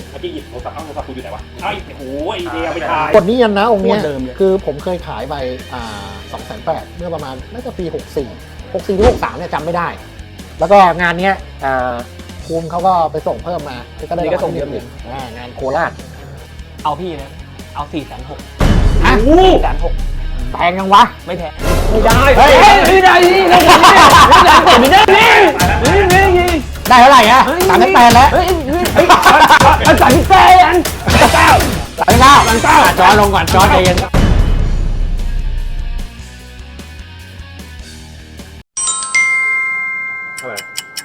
เมื่อกี้หยิบโทรศัพท์โทรศัพท์กูอยู่ไหนวะไอ้โอ้ยเดียวไปถ่ายกดนี้ยันนะองค์เนี้ยเดิมเลยคือผมเคยขายไป280,000เมื่อประมาณน่าจะปี64หรือ63เนี่ยจำไม่ได้ แล้วก็งานเนี้ยภูมิเขาก็ไปส่งเพิ่มมาก็ได้นี่ก็ส่งเยอะอยู่งานโคราชเอาพี่นะเอา460,000 อ่ะ 460,000 แพงยังวะไม่แพงไม่ได้เฮ้ยไม่ได้นี่ไม่ได้ไม่ได้นี่ได้เท่าไหร่อะ38แล้วเฮ้ยมันสั่งแฟน 39จอลงก่อนจอใจเย็นเท่าไหร่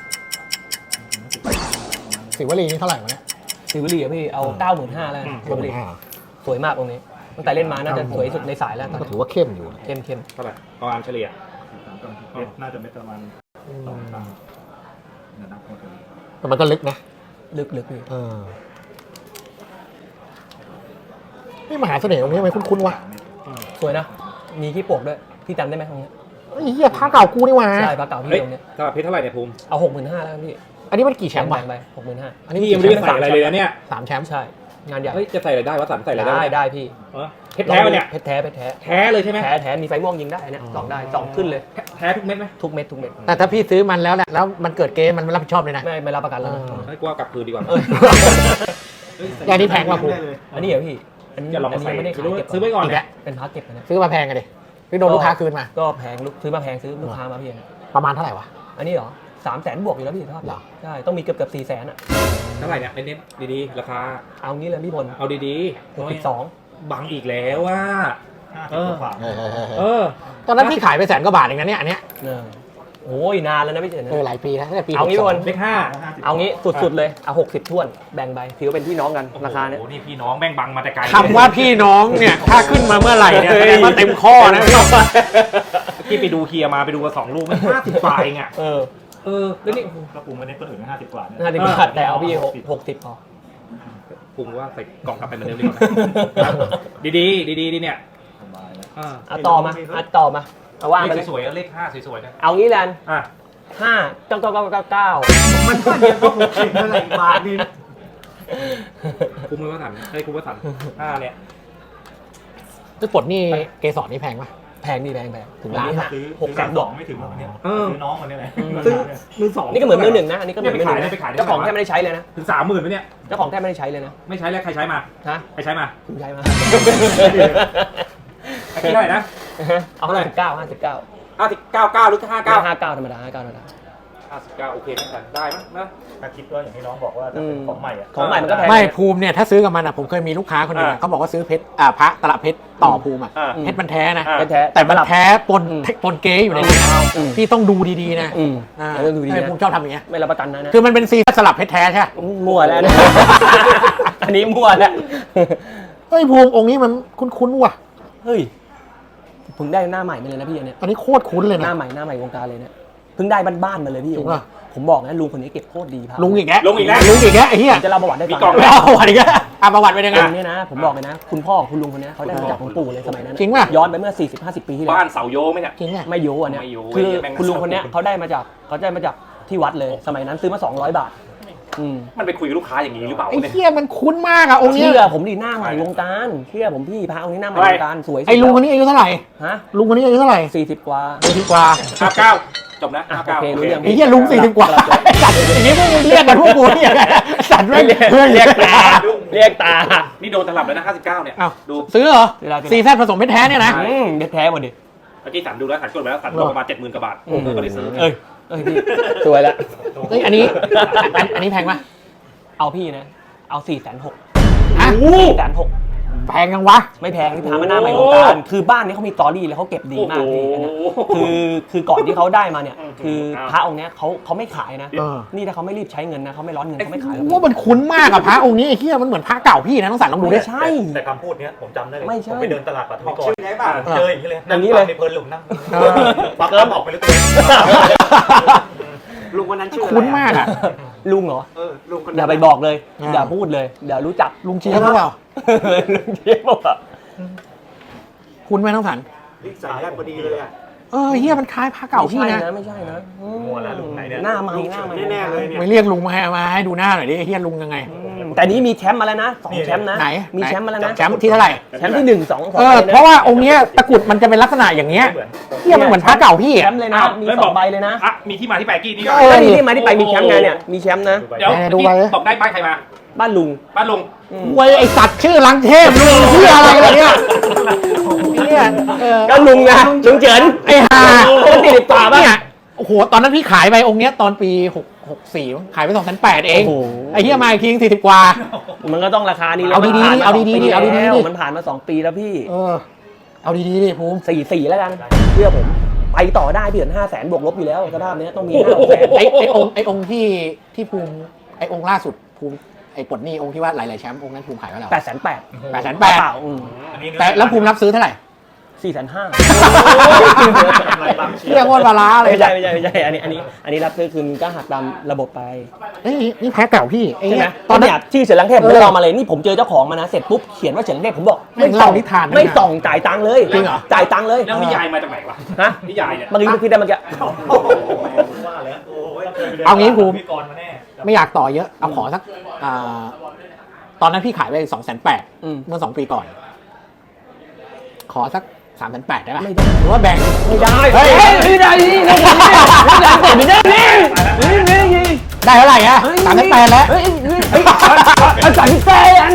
สิวลีนี่เท่าไหร่วะเนี่ยสิวลีอะพี่เอา 95,000แล้วสิวลีสวยมากตรงนี้ตั้งแต่เล่นมาน่าจะสวยสุดในสายแล้วก็ถือว่าเข้มอยู่เข้มเท่าไหร่ประมาณเฉลี่ยน่าจะไม่ประมาณ2 ครั้งนับหมดเลยแต่มันก็ลึกนะลึกพี่นี่มหาเสน่ห์ตรงนี้ทำไมคุ้นๆวะสวยนะมีขี้ปวกด้วยพี่จำได้ไหมตรงนี้ไอ้เหี้ยผ้าเก่ากูนี่หว่าใช่ปลาเก่าพี่เฮ้ยตรงนี้ตลาดเพชรเท่าไหร่เนี่ยภูมิเอา 65,000แล้วพี่อันนี้มันกี่แชมป์วะไป 65,000 อันนี้พี่ยังไม่ได้ใส่อะไรเลยนะเนี่ย 3 แชมป์ใช่งานใหญ่เฮ้ยจะใส่อะไรได้วะสันใส่อะไรได้ได้พี่เพชรแท้ปะเนี่ยเพชรแท้แท้เลยใช่ไหมแท้มีไฟม่วงยิงได้เนี่ยสองได้สองขึ้นเลยแท้ทุกเม็ดไหมทุกเม็ดแต่ถ้าพี่ซื้อมันแล้วเนี่ยแล้วมันเกิดเกมมันไม่รับผิดชอบเลยนะไม่รับประกันแล้วนะให้กูเอากลับคืนดีกว่าอย่างนี้แพงกว่ากูอันนี้เหรอพี่อันนี้จะลองอันใส่นี้ไม่ได้ขายเก็บซื้อไว้ก่อนอีกเนี่แล้ยวเป็นพาร์ทเก็บนะซื้อมาแพงกันดิพี่โดนลูกค้าคืนมาก็แพงซื้อมาแพงซื้อลูกค้ามาพี่ประมาณเท่าไหร่วะอันนี้เหรอ300,000 บวกอยู่แล้วพี่ทอดเหรอใช่ต้องมีเกือบ400,000อ่ะเท่าไหร่เนี่ยเน้นๆดีๆราคาเอางี้เลยพี่พลเอาดีๆ 62 บังอีกแล้วว่า 50 กว่าตอนนั้นพี่ขายไป100,000 กว่าบาทเองนะเนี่ยอันเนี้ยโอ้ยนานแล้วนะพี่เจนหลายปีแล้วตั้งแต่ปีเอางี้ 62 พี่พลเลขห้าเอางี้สุดๆเลยเอา60ถ้วนแบ่งใบถือว่าเป็นพี่น้องกันราคาเนี้ยโอ้โหนี่พี่น้องแม่งบังมาแต่ไกลคำว่าพี่น้องเนี่ยถ้าขึ้นมาเมื่อไหร่เนี่ยแสดงว่าเต็มข้อนะพี่ที่ไปดูเคลียร์มาไปดูกัน2 ลูกมัน50 กว่าเองอ่ะแล้วนี่ก็ปูไม่ได้คนอื่นก็50 กว่าเนี่ย 50 บาทแต่เอาพี่60พอภูมิว่าใส่กล่องกลับไปเหมือนเดิมดีกว่าดีดีเนี่ยสบายแล้วเอาต่อมาเอาว่างไปเลเลขยสวยๆเลข5สวยๆนะเอางี้แลนอ่ะ 5 มันก็เดียวก็คงเข็มเท่าไหร่บาทนี่ภูมิมือว่าสันเฮ้ยภูมิว่าสัน5เนี่ยทุกปลดนี่เกสรนี่แพงปะแพงถึงล้านซื้อ 600,000 ดอกไม่ถึงหรอกเนี่ยซื้อน้องคนนี้เลยซื้อมือ2 นี่ก็เหมือนมือหนึ่งนะอันนี้ก็เหมือนมือหนึ่งไปขายได้เจ้าของแทบไม่ได้ใช้เลยนะถึง 30,000ไหมเนี่ยเจ้าของแทบไม่ได้ใช้เลยนะไม่ใช้แล้วใครใช้มาฮะใครใช้มาคุณใช้มาไอ้ที่เท่าไหร่นะเอา59 59หรือ59 59ธรรมดา 59โอเคนะได้มั้ยนะถ้าคิดว่าอย่างที่น้องบอกว่าถ้าเป็นของใหม่อะของใหม่มันก็แพงไม่ภูมิเนี่ยถ้าซื้อกับมันอ่ะผมเคยมีลูกค้าคนหนึงอะเขาบอกว่าซื้อเพชรพระตลับเพชรต่อภูมิอ่ะเพชรมันแท้นะเป็นแท้แต่มันแท้ปนเก๊อยู่ในนี้นะอืมพี่ต้องดูดีๆนะแล้วดูดีทำไมนะภูมิชอบทำอย่างเงี้ยไม่รับประกันนะคือมันเป็นซีสลับเพชรแท้ใช่ไหมมั่วแล้วนะ อันนี้มั่วแล้วเฮ้ยภูมิองค์นี้มันคุ้นๆว่ะเฮ้ยเพิ่งได้หน้าใหม่มาเลยนะพี่อันเนี้ยอันนี้โคตรคุ้นเลยหนะน้าใหม่วงการเลยเนี่ยเพิ่งได้บ้านๆมาเลยพี่จริงป่ะผมบอกนะลุงคนนี้เก็บโคตรดีครับลุงอีกแล้วลุงอีกแล้วไอ้เหี้ยผมจะเล่าประวัติได้มีฟังกล่องไม่เอาประวัติอีกแล้วประวัติเป็นยังไงลุงเนี่ยนะผมบอกเลยนะ คุณพ่อของคุณลุงคนนี้เขาได้มาจากคุณปู่เลยสมัยนั้นจริงป่ะย้อนไปเมื่อ 40-50 ปีที่แล้วบ้านเสาโยไหมเนี่ยจริงอ่ะไม่โยอันเนี้ยไม่โยคือแม่งคุณลุงคนเนี้ยเขาได้มาจากที่วัดเลย สมัยนั้นซื้อมา200 บาทมันไปคุยกับลูกค้าอย่างนี้หรือเปล่าไอ้เนี่ยเหี้ยมันคุ้นมากอะองค์เนี้ยเชื่อผมดิหน้าใหม่วงการเชื่อผมพี่พระองค์นี้หน้าใหม่วงการสวยสุดไอ้ลุงคนนี้อายุเท่าไหร่ฮะลุงคนนี้อายุเท่าไหร่ 40 กว่า 40 กว่า 59จบนะอ่ะ 59 โอเครู้เรื่องไอ้เหี้ยลุง40 กว่าสัตว์อย่างนี้พวกมึงเรียกกันพวกกูเนี่ยสัตว์ไม่เรียกเรียกตาเรียกตานี่โดนตลับแล้วนะ59เนี่ยอ้าวดูซื้อเหรอซื้อได้ซีแซดผสมเพชรแท้เนี่ยนะเด็ดแท้หมดดิเมื่อกี้สันดูแล้วสันกดไปแล้วสันลงประมาณ 70,000 กว่าบาทก็เลยซื้อเอ้ยพี่สวยแล้วเฮ้ยอันนี้แพงปะเอาพี่นะเอา460,000 ฮะ 460,000 แพงยังวะไม่แพงที่พามาหน้าใหม่วงการคือบ้านนี้เขามีตอรี่แล้วเขาเก็บดีมากพี่อันเนี้ยคือก่อนที่เขาได้มาเนี่ยคือพระองค์เนี้ยเขาไม่ขายนะ นี่ถ้าเขาไม่รีบใช้เงินนะเขาไม่ร้อนเงินเขาไม่ขายหรอกว่ามันคุ้นมากอะพระองค์นี้ไอ้เหี้ยมันเหมือนพระเก่าพี่นะต้องสั่นลองดูดิไม่ใช่แต่คำพูดเนี้ยผมจำได้เลยไม่ใช่ผมไปเดินตลาดปัตตานีก่อนชื่อได้ป่ะเจออย่างนี้เลยอย่างนี้เลยในเพลินหลุมนั่งเออปักกระบอกไปเลยตัวเองลุงวันนั้นชื่อคุ้นมากอะลุงเหรอลุงคนอย่าไปบอกเลยอย่าพูดเลยเดี๋ยวรู้จักลุงเจี๊ยบหรือเปล่าลุงเจี๊ยบบอกว่าคุ้นไหมต้องสั่นสายแรกพอดีเลยอ่ะเฮียมันคล้ายพระเก่าพี่นะไม่ใช่นะมัวแล้วลุงไหนเนี่ยหน้าใหม่หน้าใหม่แน่ๆเลยเนี่ยไม่เรียกลุงมาให้ดูหน้าหน่อยดิไอ้เฮียลุงยังไงมแต่นี้มีแชมป์มาแล้วนะ2แชมป์นะไหนมีแชมป์มาแล้วนะแชมป์ที่เท่าไหร่แชมป์ที่1 2 เพราะว่าองค์เนี้ยตะกรุดมันจะเป็นลักษณะอย่างเงี้ยเฮียมันเหมือนพระเก่าพี่แชอะมป์เลยนะมี2 ใบเลยนะอ่ะมีที่มาที่ไปกี้นี่ก็นี่ที่มาที่ไปมีแชมป์ไงเนี่ยมีแชมป์นะเดี๋ยวดูไปบอกได้บ้านใครมาบ้านลุงบ้านลุงเว้ยไอสัตว์ชื่อลังเทพลุงชื่ออะไรวะเนี่ยเนี่ยก็ลุงนะลุงเฉินไอ้ห่าคนติดป่าบ้างเนี่ยโอ้โหตอนนั้นพี่ขายไปองค์เนี้ยตอนปี64ขายไป2,800เองโอ้โหไอ้เฮียมาอีกที40 กว่ามันก็ต้องราคานี้แล้วเอาดีๆมันผ่นมเอาดีๆ 2ปีเอาดีๆแล้วดิมันผ่านมา2 ปีแล้วพี่เอาดีๆดิภูมิ 4 แล้วกันเชื่อผมไปต่อได้พี่เดือน500,000บวกลบอยู่แล้วสภาพนี้ต้องมี500,000 ไอองค์ที่ภูมิไอองค์ล่าสุดภูมิไอปลดหนี้องค์ที่ว่าหลายๆแชมป์องค์นั้นภูมิขายไว้แล้ว 880,000 880,000 เปล่าแต่แล้วภูมิรับซื้อเท่าไหร่ 450,000 เรียกว่าปลาร้าเลยไม่ใช่อันนี้รับซื้อคืนก็หักตามระบบไปเฮ้ยนี่แพ้เก่าพี่ไอ้ใช่ไหมเนี่ยตอนนี้ชื่อเฉินลังเทพผมลองมาเลยนี่ผมเจอเจ้าของมานะเสร็จปุ๊บเขียนว่าเฉินลังเทพผมบอกแม่งเล่านิทานนะไม่ส่องจ่ายตังค์เลยจริงเหรอจ่ายตังค์เลยแล้วนิยายมาจากไหนวะฮะนิยายเนี่ยเมื่อกี้คิดได้เมื่อกี้ว่าแล้วโอ้ยเอางี้ภูมิพี่กรณ์มาแน่ไม่อยากต่อเยอะเอาขอสักตอนนั้นพี่ขายไป2,800เมื่อ2 ปีก่อน ขอสัก3,800ได้ป่ะไม่ได้หรือว่าแบ่งไม่ได้เฮ้ยไม่ได้นี่ไม่ได้นี่ได้เท่าไหร่อะ3,800แล้วเอาจ่ายพี่แฟน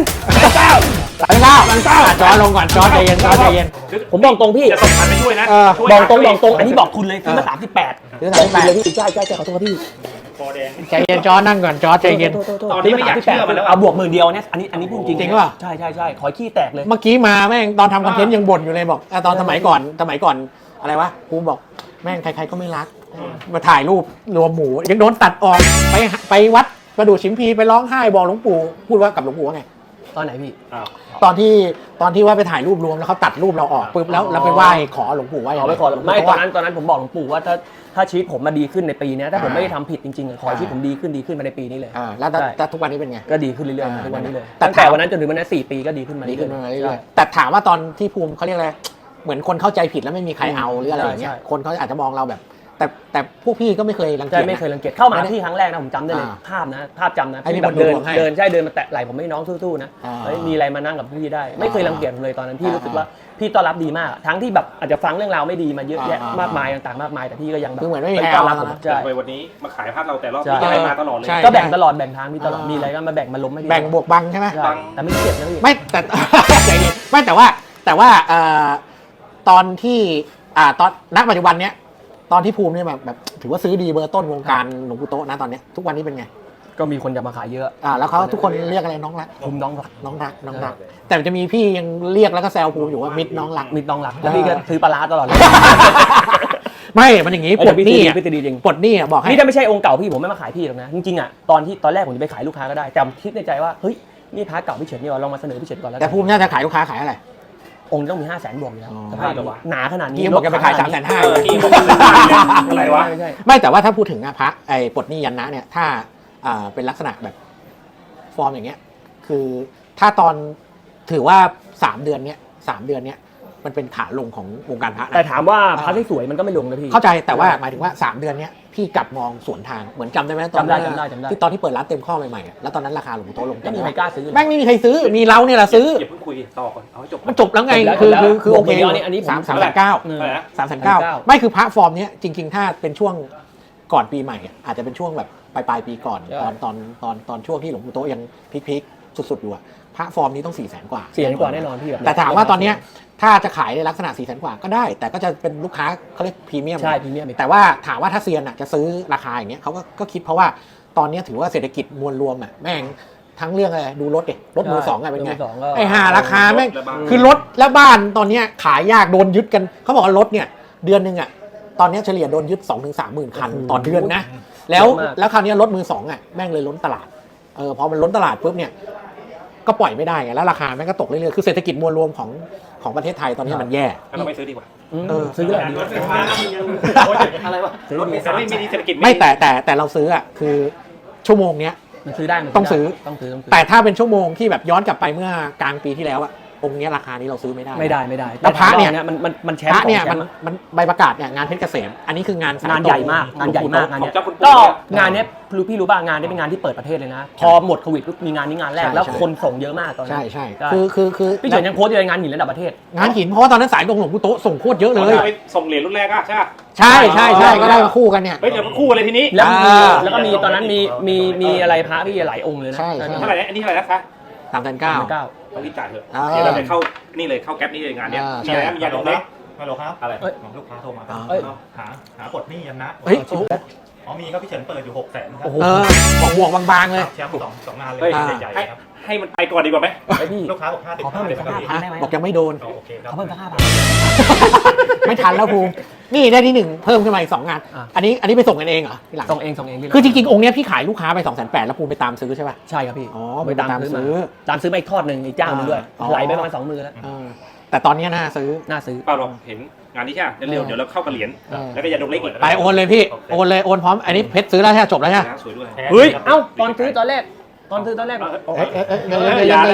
3,900จอลงก่อนจอใจเย็นจอใจเย็นผมบอกตรงพี่จะส่งพันไปช่วยนะ ช่วยบอกตรงหาอันนี้บอกคุณเลยซื้อมา38 ซื้อบอกคุณเลย 38 พี่ใช่ขอโทษพี่คอแดงใจเย็นจอนั่งก่อนจอใจเย็นตอนนี้ไม่อยากเชื่อมันแล้วเอาบวก10,000เนี่ยอันนี้พูดจริงจริงป่ะใช่ขอขี้แตกเลยเมื่อกี้มาแม่งตอนทำคอนเทนต์ยังบ่นอยู่เลยบอกตอนสมัยก่อนอะไรวะภูมิบอกแม่งใครๆก็ไม่รักมาถ่ายรูปรวมหมูยังโดนตัดออกไปวัดประดู่ชิมพีไปร้องไห้บอกหลวงปู่พูดว่ากับหลวงปู่ว่าไงตอนไหนพี่ตอนที่ว่าไปถ่ายรูปรวมแล้วเขาตัดรูปเราออกปุ๊บแล้วเราไปไหว้ขอหลวงปู่ว่าอย่างเอาไรไว้ก่อนไม่ตอนนั้นผมบอกหลวงปู่ว่าถ้าชีวิตผมมาดีขึ้นในปีนี้ถ้าผมไม่ได้ทำผิดจริงๆขอให้ชีวิตผมดีขึ้นมาในปีนี้เลยแล้วแต่ทุกวันนี้เป็นไงก็ดีขึ้นเรื่อยๆทุกวันนี้เลยแต่ตั้งแต่วันนั้นจนถึงวันนั้น4 ปีก็ดีขึ้นมาดีเรื่ขึ้นอยมาๆเรื่อยๆแต่ถามว่าตอนที่ภูมิเขาเรียกอะไรเหมือนคนเข้าใจผิดแล้วไม่มีใครเอาหรืออะไรอย่างเงี้ยใช่คนเขาอาจจะมองเราแบบ แต่พวกพี่ก็ไม่เคยรังใช่เกียจไม่นะเคยรังเกียจเข้ามาที่ครั้งแรกนะผมจำได้เลยภาพจำนะไอ้นี่พี่แบบมันดูเดินดวงให้เดินมาแตะไหล่ผมไม่น้องสู้ๆนะเฮ้ยมีอะไรมานั่งกับพี่ได้ ไม่เคยรังเกียจผมเลยตอนนั้นพี่รู้สึกว่าพี่ต้อนรับดีมากทั้งที่แบบอาจจะฟังเรื่องราวไม่ดีมาเยอะแยะมากมายต่างๆมากมายแต่พี่ก็ยังแบบคือเหมือนไม่มีใครต้อนรับเอาผมนะใช่ไปวันนี้มาขายภาพเราแต่รอบใช่นี้ยังไงมาตลอดเลยใช่ก็แบ่งตลอดแบ่งทางพี่ตลอดมีอะไรก็มาแบ่งมาล้มให้พี่แบ่งบวกบังใช่ไหมใช่แต่ไม่เจ็บนะพี่ไม่แต่ ใจเย็นไม่แต่ว่าตอนที่ตอนณปัจจุบันเนี้ยตอนที่ภูมิเนี่ยแบบถือว่าซื้อดีเบอร์ต้นวงการหลวงปู่โตะนะตอนเนี้ยทุกวันนี้เป็นไงก็มีคนจะมาขายเยอะแล้วเขาทุกคนเรียกอะไรน้องรักภูมิน้องรักน้องรัก แต่จะมีพี่ยังเรียกแล้วก็แซวภูมิอยู่ว่ามิดน้องรักมีน้องรักแล้วพี่ก็ซื้อปลาร้าตลอดเลยไม่มันอย่างงี้ปลดหนี้พี่ตีจริงปลดหนี้บอกให้นี่ถ้าไม่ใช่องค์เก่าพี่ผมไม่มาขายพี่หรอกนะจริงๆอ่ะตอนแรกผมจะไปขายลูกค้าก็ได้แต่คิดในใจว่าเฮ้ยนี่พระเก่าพี่เฉินนี่ว่าลองมาเสนอพี่เฉินก่อนแล้วแต่ภูมิน่าจะขายลูกค้าขายอะไรองค์ต้องมี500,000บวกอยู่แล้วสภาพหนาขนาดนี้กี้บอกแกไปขาย3,500 กี้บอกอะไรวะไม่ใช่ไม่แต่ว่าถ้าพูดถึงพระไอ้ปลดหนี้ยันนะเนี่ยถ้าเป็นลักษณะแบบฟอร์มอย่างเงี้ยคือถ้าตอนถือว่า3 เดือนเนี้ยมันเป็นขาลงของวงการพระนะแต่ถามว่าพระที่สวยมันก็ไม่ลงนะพี่เข้าใจแต่ว่าหมายถึงว่า3 เดือนเนี้ยพี่กลับมองสวนทางเหมือนจำได้ไหมตอนจำได้ที่ตอนที่เปิดร้านเต็มข้อใหม่ๆอะแล้วตอนนั้นราคาหลวงปู่โตะลงไม่มีใครกล้าซื้อแม่งไม่มีใครซื้อมีเราเนี่ยแหละซื้ออย่าเพิ่งคุยต่อก่อนเอาให้จบมันจบแล้วไงจบแล้วคือโอเคจบแล้วอันนี้ผม 3,900 เอออะไรนะ 3,900ไม่คือพระฟอร์มเนี้ยจริงๆถ้าเป็นช่วงก่อนปีใหม่อะอาจจะเป็นช่วงแบบปลายปีก่อนใช่ตอนช่วงที่หลวงปู่โตะยังพีคๆสุดๆอยู่อะพระฟอร์มนี้ต้อง 400,000 กว่าเสียกว่าแน่นอนพี่แบบแต่ถามว่าตอนเนี้ยถ้าจะขายในลักษณะ 400,000 กว่าก็ได้ แต่ก็จะเป็นลูกค้าเขาเรียกพรีเมียมใช่พรีเมียมแต่ว่าถามว่าถ้าเซียนอะจะซื้อราคาอย่างเงี้ยเขาก็คิดเพราะว่าตอนเนี้ยถือว่าเศรษฐกิจมวลรวมอะแม่งทั้งเรื่องอะไรดูรถดิรถมือสองอะเป็นไงมือสองก็ไอ้ห่าราคาแม่งรถและบ้านคือรถและบ้านตอนเนี้ยขายยากโดนยึดกันเขาบอกว่ารถเนี่ยเดือนหนึงอะตอนเนี้ยเฉลี่ยโดนยึด 2-3 หมื่นคันต่อเดือนนะแล้วคราวเนี้ยรถมือสองอะแม่งเลยล้นตลาดพอมันล้นตลาดปุ๊บเนี่ยก็ปล่อยไม่ได้ไงแล้วราคาแม่งก็ตกเรื่อยๆคือเศรษฐกิจมวลรวมของประเทศไทยตอนนี้มันแย่งั้นเราไม่ซื้อดีกว่าซื้อเลยดีรถไฟฟ้าอะไรวะรถเมล์ไม่มีเศรษฐกิจไม่แต่เราซื้ออะคือชั่วโมงเนี้ยมันซื้อได้ต้องซื้อต้องซื้อแต่ถ้าเป็นชั่วโมงที่แบบย้อนกลับไปเมื่อกลางปีที่แล้วอะองค์เนี้ยราคานี้เราซื้อไม่ได้ไม่ได้แล้วพระเนี่ยมันแชพมระป์เนี่ยของแชมันมป์อะมันใบประกาศเนี่ยงานเพชรเกษมอันนี้คืองานสยงานตรงใหญ่มากงานใหญ่มากงานเนี้ยของเจ้าคุณปู่ก็เนี่ยงานเนี้ยพี่รู้ป่ะงานนี้เป็นงานที่เปิดประเทศเลยนะ พอหมดโควิดปุ๊บมีงานนี้งานแรกใช่แล้วใช่คนส่งเยอะมากตอนนั้ใช่นใช่ใช่คือพี่เฉินยังโพสต์อยู่ในงานหินระดับประเทศงานหินเพราะว่าตอนนั้นสายตรงหลวงปู่โต๊ะส่งโคตรเยอะเลยไปส่งเหรียญรุ่นแรกอะใช่ปะใช่ก็ได้มาคู่กันเนี่ยเฮ้ยเดี๋ยวมันคู่เลยทีนี้แล้วมีอ่าแล้วก็มีตอนนั้นมีอะไรพระพี่หลายองค์เลยนะใช่เท่าไหร่นะอันนี้เท่าไหร่นะคะ 3,900 ต้องรีบจ่ายเถอะอ่าเดี๋ยวเราไปเข้านี่เลยเข้าแก๊ปนี่เลยงานเนี้ยอ่ามีอะไรนะมียาดองเล็กฮัลโหลครับอะไรลูกค้าโทรมาเอ้ยหาปลดหนี้ยันนะเฮ้ยอ๋อมีก็พี่เฉินเปิดอยู่600,000ครับโอ้โหบอกบวกบางๆเลยแชมป์สองงานเลยเฮ้ยใหญ่ๆครับให้มันไปก่อนดีกว่าไหมไอพี่ลูกค้าบอก50 ขอเพิ่มอีกสักครับ 5,000 ได้ไหมบอกยังไม่โดนโอเคครับเขาเพิ่มสัก5,000 ไม่ทันแล้วภูมินี่ได้ที่ 1 เพิ่มขึ้นมาอีก 2 งานอ่ะอันนี้ไปส่งกันเองเหรอที่หลังส่งเองพี่คือจริงๆ องค์เนี้ยพี่ขายลูกค้าไป 2,800,000แล้วภูมิไปตามซื้อใช่ป่ะใช่ครับพี่อ๋อไปตามไปตามซื้ซื้ออมาตามซื้อมาอีกทอดหนึ่งอีกเจ้าหนึงด้วยอ๋อไหลไปประมาณ2 มือแล้วเออแต่ตอนเนี้ยน่าซื้อน่าซื้อเปล่าหรอกเห็นงานนี้ใช่ไหมเร็วๆเดี๋ยวเราเข้ากับเหรียญเออแล้วก็ยาดองเล็กอีกไปโอนเลยพี่โอนเลยโอนพร้อมอันนี้เพชรซื้อแล้วใช่ไหมจบแล้วใช่ไหมสวยด้วยเฮ้ยเอ้าตอนซื้อตอนแรกบอกเดี๋ยว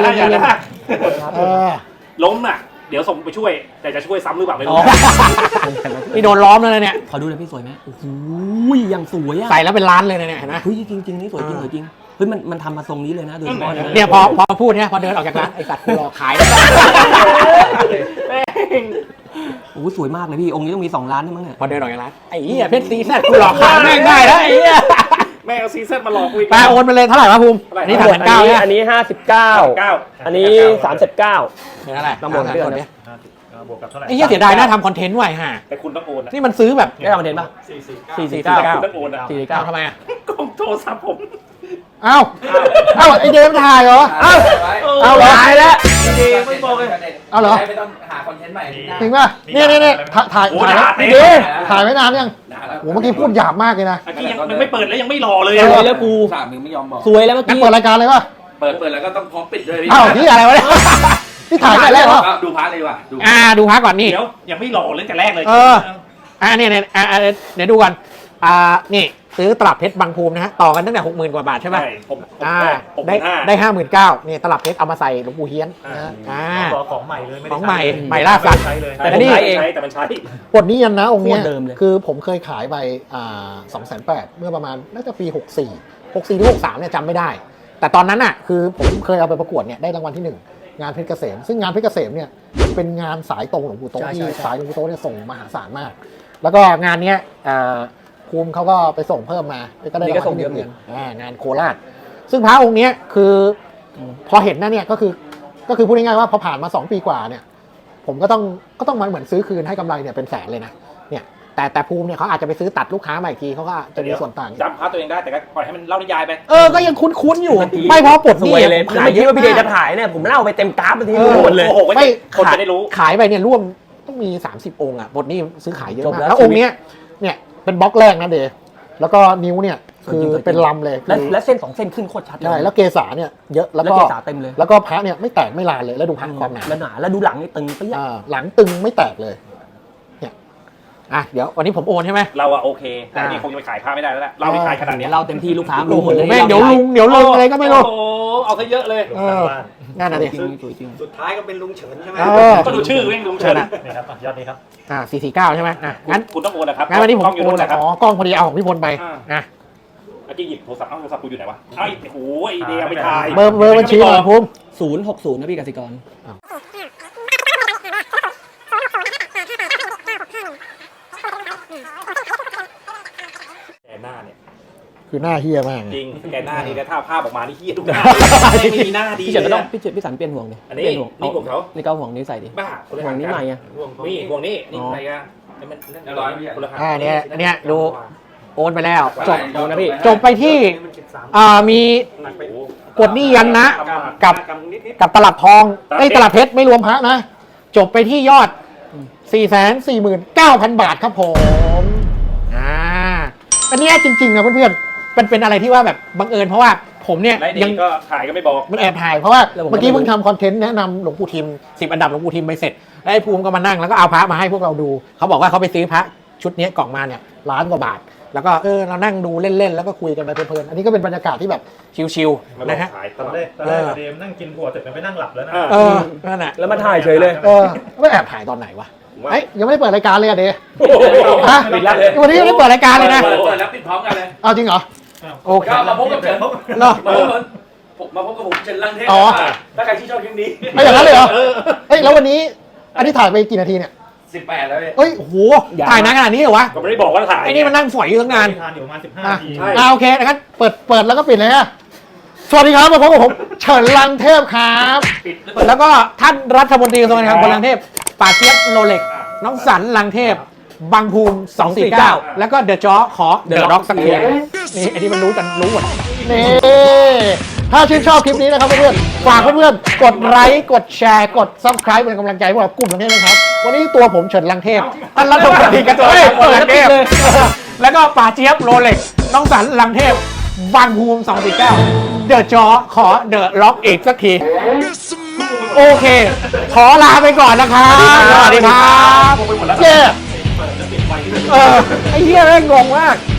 ล้มน่ะเดี๋ยวส่งไปช่วยแต่จะช่วยซ้ำหรือเปล่าไม่อ๋รู้อนี่โดนล้อมแล้วนะเนี่ยขอดูเลยพี่สวยไหมโอ้โหยังสวยอ่ะใส่แล้วเป็นล้านเลยนะเนี่ยเห็นไหมเฮ้ยจริงนี่สวยจริงสวยจริงเฮ้ยมันทำมาทรงนี้เลยนะโดยเฉพาะเนี่ยพอพูดเนี่ยพอเดินออกจากร้านไอสัตว์กูรอขายโอ้โหสวยมากเลยพี่องค์นี้ต้องมี2 ล้านได้มั้งเนี่ยพอเดินออกจากร้านไอ้เหี้ยเพชรซีแซดกูรอขายแม่งได้แล้วไอ้เหี้ยแม่เอาซีซั่นมาหลอกกูอีกไปโอนไปเลยเท่าไหร่วะภูมิเท่าไหร่อันนี้3,900เนี่ยอันนี้59 เก้าอันนี้39 เดี๋ยวอะไรต้องบวกเดือนเนี่ยบวกกับเท่าไหร่ไอ้เหี้ยเสียดายน่าทำคอนเทนต์ไว้ห่าแต่คุณต้องโอนอะนี่มันซื้อแบบได้ทำคอนเทนต์ป่ะคุณต้องโอนอะทำไมอ่ะกล้องโทรศัพท์ผมเอ้าไอเดมถ่ายเหรอเอ้า เอาเหรอตายแล้วไม่บอกเลยเอาเหรอไม่ต้องหาคอนเทนต์ใหม่นะจริงป่ะเนี่ยถ่ายโอ้ถ่ายด่าไว้เต็มถ่ายไว้นานยังนะแล้วโอ้เมื่อกี้พูดหยาบมากเลยนะเมื่อกี้ยังไม่เปิดแล้วยังไม่รอเลยสอะวยแล้วกูสามมึงไม่ยอมบอกสวยแล้วเมื่องั้นกี้เปิดรายการเลยป่ะเปิดแล้วก็ต้องพร้อมปิดด้วยพี่เอ้านี่อะไรวะเนี่ยนี่ถ่ายแต่แรกเหรอดูพาร์ทเลยว่ะดูดูพักก่อนนี่เดี๋ยวยังไม่รอเลยแต่แรกเลยเออ เนี่ยเดี๋ยวดูกันนี่ซื้อตลับเพชรบางภูมินะฮะต่อกันตั้งแต่ 60,000 กว่าบาทใช่ป่ะใช่ผมได้ 59,000นี่ตลับเพชรเอามาใส่หลวงปู่เฮียนของใหม่เลยไม่ได้ของใหม่ใหม่ล่าสัตว์ใช้เลยแต่นี่ใช้แต่มันใช้บทนี้ยันนะองค์เนี้ยโคตรเดิมเลยคือผมเคยขายไป2,800,000เมื่อประมาณน่าจะปี 64หรือ63เนี่ยจำไม่ได้ แต่ตอนนั้นอ่ะคือผมเคยเอาไปประกวดเนี่ยได้รางวัลที่ 1 งานเพชรเกษมซึ่งงานเพชรเกษมเนี่ยเป็นงานสายตรงหลวงปู่โตะที่สายหลวงปู่โตะเนี่ยส่งมหาศาลมาก แล้วก็งานเนี้ยภูมิเขาก็ไปส่งเพิ่มมาก็ได้รางวัลที่ 1อีกงานโคราชซึ่งพระองค์เนี้ยคือพอเห็นนะเนี่ยก็คือพูดง่ายๆว่าพอผ่านมา2 ปีกว่าเนี่ยผมก็ต้องมาเหมือนซื้อคืนให้กำไรเนี่ยเป็นแสนเลยนะเนี่ยแต่ภูมิเนี่ยเขาอาจจะไปซื้อตัดลูกค้าใหม่อีกทีเขาก็จะมีส่วนต่างจำพาร์ทตัวเองได้แต่ก็ปล่อยให้มันเล่านิยายไปก็ยังคุ้นๆอยู่ ไม่เพราะปลดสหนี้วยเลยผมแล้วขายไม่เยคิดอะว่าพี่เดชมากจะถ่ายเนี่ยผมเล่าไปเต็มกราฟไปทีโอ้หมดเลยโหไว้ไม่คนจะได้รู้ขายไปเนี่ยร่วมต้องมี30 องค์อ่ะบทนี้ซื้อขายเยอะจบมากแล้วแล้วองค์เนี้ยเนี่ยเป็นบล็อกแรกนะเดย์แล้วก็นิ้วเนี่ยคือเป็นลำเลยและเส้น2 เส้นขึ้นโคตรชัดเลยใช่แล้วเกษาเนี่ยเยอะแล้วแล้วก็เกษาเต็มเลยแล้วก็พระเนี่ยไม่แตกไม่ลานเลยแล้วดูพระความหนาแล้วหนาแล้วดูหลังนี่ตึงไปยักหลังตึงไม่แตกเลยเนี่ยเดี๋ยววันนี้ผมโอนใช่ไหมเราอะโอเคแต่นี่คงจะไปขายผ้าไม่ได้แล้วแหละเราไปขายขนาดเดี๋เนี้ยวย เราเต็มที่ลูกค้ารู้หมดเลยแม่งเดี๋ยวลุงอะไรก็ไม่รู้โอ้โหเอาซะเยอะเลยนั่นน่ะดิจริงสวยจริงสุดท้ายก็เป็นลุงเฉินใช่ไหมก็ดูชื่อเว้งลุงเฉินนี่ครับยอดนี้ครับ 449ใช่ไหมงั้นคุณต้องโอนนะครับงั้นวันนี้ผมกล้องอยู่โอนู่นนนะครับกล้องพอดีเอาของพี่พลไปอ่า เมื่อกี้หยิบโทรศัพท์โทรศัพท์กูอยู่ไหนวะไอ้โอ้ยเดียวไปถ่ายเบอร์บัญชีหน่อยภูมิ 060นะพี่กสิกรแกหน้าเนี่ยคือหน้าเฮี้ยมากจริงแกหน้านี่แล้วถ้าภาพออกมานี่เฮี้ยทุกหน้าไม่มีหน้าดีพี่เฉินก็เลต้อย งพี่สันเปลี่ยนห่วงดิอันนี้เปลี่ยนห่วงนี่ของเขานี่ก็เอาห่วงนี้ใส่ดิบ้าคนละห่วงนี้ใหม่ไงนี่ห่วงนี้นี่อะไรกันคนละเนี่ยดูโอนไปแล้วจบดูนะพี่จบไปที่มีกดหนี้ยันนะกับตลับทองตลับเพชรไม่รวมพระนะ จบไปที่ยอด 449,000 บาทครับผมอันนี้จริงๆนะเพื่อนๆเป็นอะไรที่ว่าแบบบังเอิญเพราะว่าผมเนี่ยได้ดียังก็ถ่ายก็ไม่บอกมันแอบถ่ายเพราะว่าแล้วผมก็เมื่อกี้ไม่รู้เพิ่งทำคอนเทนต์แนะนำหลวงปู่ทิม10 อันดับหลวงปู่ทิมไปเสร็จแล้วไอ้ภูมิก็มานั่งแล้วก็เอาพระมาให้พวกเราดูเขาบอกว่าเขาไปซื้อพระชุดนี้กล่องมาเนี่ย1,000,000 กว่าบาทแล้วก็เรานั่งดูเล่นๆแล้วก็คุยกันไปเพลินๆอันนี้ก็เป็นบรรยากาศที่แบบชิลๆนะฮะขายตตอนลอดแรกเดมนั่งกินถั่วเสร็จมันไปนั่งหลับแล้วนะนั่นแหละแล้วมาถ่ายเฉยเลยไม่แอบถ่ายตอนไหนวะเอ้ยยังไม่ได้เปิดรายการเลยอะเดย์ฮะปิดแล้วเลยวันนี้ยังไม่ได้เปิดรายการเลยนะเปิดแล้วปิดพร้อมกันเลยเอาจริงเหรอโอเคก็มาพบกับเฉินเนาะมาพบกับผมเฉินลังเทพอ๋อถ้าใครที่ชอบคลิปนี้ไม่อย่างนั้นเลยเหรอเฮ้ยแล้ววันนี้อันนี้ถ่ายไปกี่นาทีเนี่ย 18แล้วเนี่ยเฮ้ยโอ้โหถ่ายนานขนาดนี้เหรอวะก็ไม่ได้บอกว่าถ่ายไอ้นี่มันนั่งฝอยอยู่ตั้งนานทานอยู่ประมาณ15 นาทีโอเคนะครับเปิดแล้วก็ปิดเลยฮะสวัสดีครับมาพบกับผมเฉินลังเทพครับแล้วก็ท่านรัฐมนตรีกระทรวงการคลังคนลังเทพป่าเจี๊ยบโรเล็กน้องสันลังเทพบางภูมิ249แล้วก็เดอะจ๊อขอเดอะร็อกสักทีนี่ไอ้นี่มันรู้กันรู้หมดนี่ถ้าชื่นชอบคลิปนี้นะครับเพื่อนๆฝากเพื่อนๆกดไลค์กดแชร์กด Subscribe เป็นกำลังใจพวกเรากลุ่มลังเทพนะครับวันนี้ตัวผมเฉินลังเทพท่านรัฐมนตรีกระทรวงการคลังลังเทพแล้วก็ป่าเจี๊ยบโรเล็กน้องสันลังเทพบางภูมิ249เดอะจ๊อขอเดอะล็อกอีกสักทีโอเค ขอลาไปก่อนนะครับสวัสดีครับเย้ไอ้เหี้ยแม่งงงมาก